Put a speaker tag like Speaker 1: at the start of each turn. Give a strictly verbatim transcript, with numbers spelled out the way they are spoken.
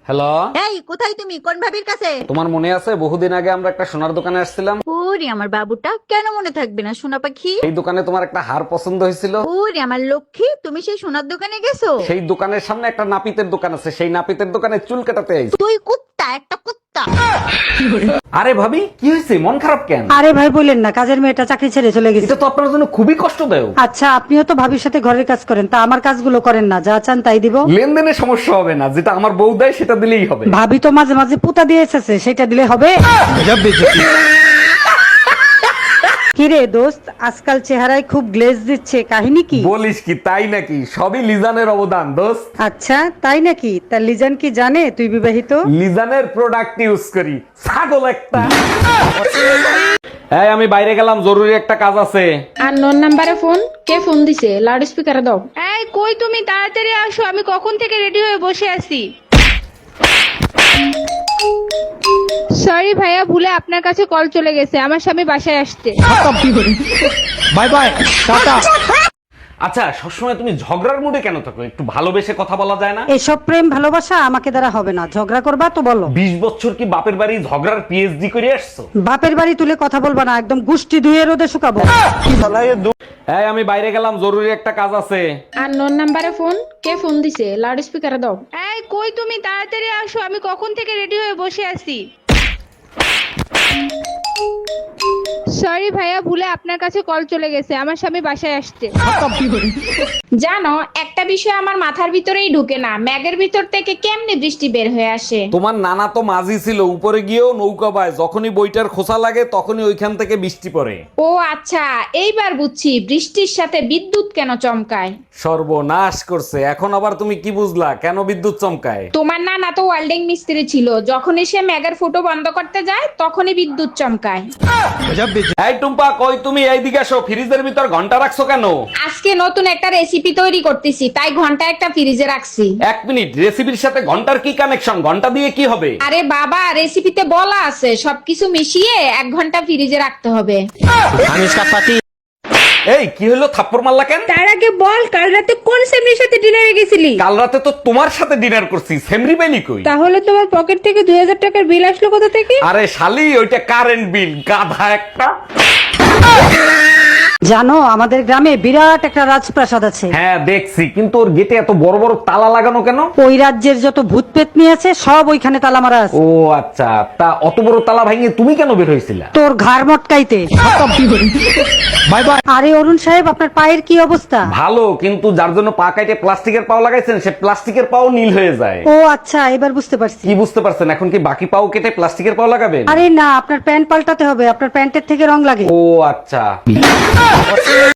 Speaker 1: Hello,
Speaker 2: এই কোথায় তুমি? কোন ভাবির কাছে?
Speaker 1: তোমার মনে আছে বহুদিন আগে আমরা একটা সোনার দোকানে আসছিলাম?
Speaker 2: ওরে আমার বাবুটা, কেন মনে থাকবে না সোনা পাখি?
Speaker 1: এই দোকানে তোমার একটা হার পছন্দ হয়েছিল।
Speaker 2: ওরে আমার লক্ষ্মী, তুমি সেই সোনার দোকানে গেছো?
Speaker 1: সেই দোকানের সামনে একটা নাপিতের দোকান আছে, সেই নাপিতের দোকানে চুল কাটাতে আইছি।
Speaker 2: তুই কুত্তা, একটা কুত্তা।
Speaker 1: আরে ভাবি, কি হয়েছে? মন খারাপ কেন?
Speaker 3: আরে ভাই বলেন না, কাজের মেয়েটা চাকরি ছেড়ে চলে গেছে।
Speaker 1: এটা তো আপনার জন্য খুবই কষ্টদায়ক।
Speaker 3: আচ্ছা, আপনিও তো ভাবির সাথে ঘরের কাজ করেন, তা আমার কাজগুলো করেন না, যা চান তাই দিব।
Speaker 1: লেনদেনে সমস্যা হবে না, যেটা আমার বউ দেয় সেটা দিলেই হবে।
Speaker 3: ভাবি তো মাঝে মাঝে পুতা দিয়ে এসেছে, সেটা দিলে হবে। কিরে দোস্ত, আজকাল চেহারায় খুব গ্লেজ দিচ্ছে, কাহিনী কি?
Speaker 1: বলিস কি, তাই নাকি? সবই লিজানের অবদান দোস্ত।
Speaker 3: আচ্ছা তাই নাকি? তা লিজান কি জানে তুই বিবাহিত?
Speaker 1: লিজানের প্রোডাক্ট ইউজ করি, ছাগল একটা। এই, আমি বাইরে গেলাম, জরুরি একটা কাজ আছে।
Speaker 4: আর নন নাম্বারে ফোন, কে ফোন দিছে? লাউড স্পিকারে দাও।
Speaker 5: এই কই তুমি? তাড়াতাড়ি আসো, আমি কখন থেকে রেডি হয়ে বসে আছি। সরি ভাইয়া, ভুলে আপনার কাছে কল চলে গেছে, আমার স্বামী বাসায় আসতে।
Speaker 1: Bye bye, tata. আচ্ছা, সবসময় তুমি ঝগড়ার মুডে কেন থাকো? একটু ভালোবেসে কথা বলা যায় না?
Speaker 3: এসব প্রেম ভালোবাসা আমাকে দ্বারা হবে না, ঝগড়া করবা তো বলো।
Speaker 1: বিশ বছর কি বাপের বাড়ি ঝগড়ার পিএইচডি করে আসছো?
Speaker 3: বাপের বাড়ি তুলে কথা বলবা না, একদম গুষ্টি ধুয়ে রোদে শুকাবো।
Speaker 1: এই, আমি বাইরে গেলাম, জরুরি একটা কাজ আছে।
Speaker 4: আর নন নাম্বারে ফোন, কে ফোন দিছে? লাউড স্পিকারে দাও।
Speaker 5: এই কই তুমি? তাড়াতাড়ি আসো, আমি কখন থেকে রেডি হয়ে বসে আছি। সরি ভাইয়া, ভুলে আপনার কাছে কল চলে গেছে, আমার স্বামী বাসায় আসতে।
Speaker 4: জানো, একটা বিষয় আমার মাথার ভিতরেই ঢুকে না, ম্যাগের ভিতর থেকে কেমনে বৃষ্টি বের হয়ে আসে?
Speaker 1: তোমার নানা তো মাঝি ছিল, উপরে গিয়েও নৌকা বায়, যখনই বইটার খোসা লাগে তখনই ওইখান থেকে বৃষ্টি পড়ে।
Speaker 4: ও আচ্ছা, এইবার বুঝছি বৃষ্টির সাথে বিদ্যুৎ কেন চমকায়।
Speaker 1: সর্বনাশ করছে, এখন আবার তুমি কি বুঝলা কেন বিদ্যুৎ চমকায়?
Speaker 4: তোমার নানা তো ওয়েল্ডিং মিস্ত্রি ছিল, যখনই সে ম্যাগের ফুটো বন্ধ করতে যায় তখনই বিদ্যুৎ চমকায়।
Speaker 1: এই টুম্পা, কই তুমি? এইদিকে আসো, ফ্রিজের ভিতর ঘন্টা রাখছো কেন?
Speaker 4: আজকে নতুন একটা রেসিপি তৈরি করতেছি, তাই ঘন্টা একটা ফ্রিজে রাখছি।
Speaker 1: এক মিনিট, রেসিপির সাথে ঘন্টার কি কানেকশন? ঘন্টা দিয়ে কি হবে?
Speaker 4: আরে বাবা, রেসিপিতে বলা আছে সবকিছু মিশিয়ে এক ঘন্টা ফ্রিজে রাখতে হবে।
Speaker 1: এই কি হলো, থাপ্পড় মারলা কেন?
Speaker 5: তার আগে বল, কাল রাতে কোন সেমরির সাথে ডিনারে গেছিলি?
Speaker 1: কাল রাতে তো তোমার সাথে ডিনার করছি, সেমরি বেলি কই?
Speaker 5: তাহলে তোমার পকেট থেকে দুই হাজার টাকার বিল আসলো কোথা থেকে?
Speaker 1: আরে শালি, ওইটা কারেন্ট বিল, গাধা একটা।
Speaker 3: জানো, আমাদের গ্রামে বিরাট একটা রাজপ্রাসাদ আছে।
Speaker 1: হ্যাঁ দেখছি, কিন্তু ওর গেটে এত বড় বড় তালা লাগানো কেন?
Speaker 3: ওই রাজ্যের যত ভূত পেতনি আছে সব ওইখানে তালা মারা আছে।
Speaker 1: ও আচ্ছা, তা অত বড় তালা ভাঙিয়ে তুমি কেন বের হয়েছিলা?
Speaker 3: তোর ঘাড় মটকাইতে। Bye bye. আরে অরুণ সাহেব, আপনার পায়ের কি অবস্থা?
Speaker 1: ভালো, কিন্তু যার জন্য পা কাটে প্লাস্টিকের পাও লাগাইছেন, সে প্লাস্টিকের পাও নীল হয়ে যায়।
Speaker 3: ও আচ্ছা, এবার বুঝতে পারছি।
Speaker 1: কি বুঝতে পারছেন? এখন কি বাকি পাও কেটে প্লাস্টিকের পাও লাগাবেন?
Speaker 3: আরে না, আপনার প্যান্ট পাল্টাতে হবে, আপনার প্যান্টের থেকে রং লাগে।
Speaker 1: ও আচ্ছা।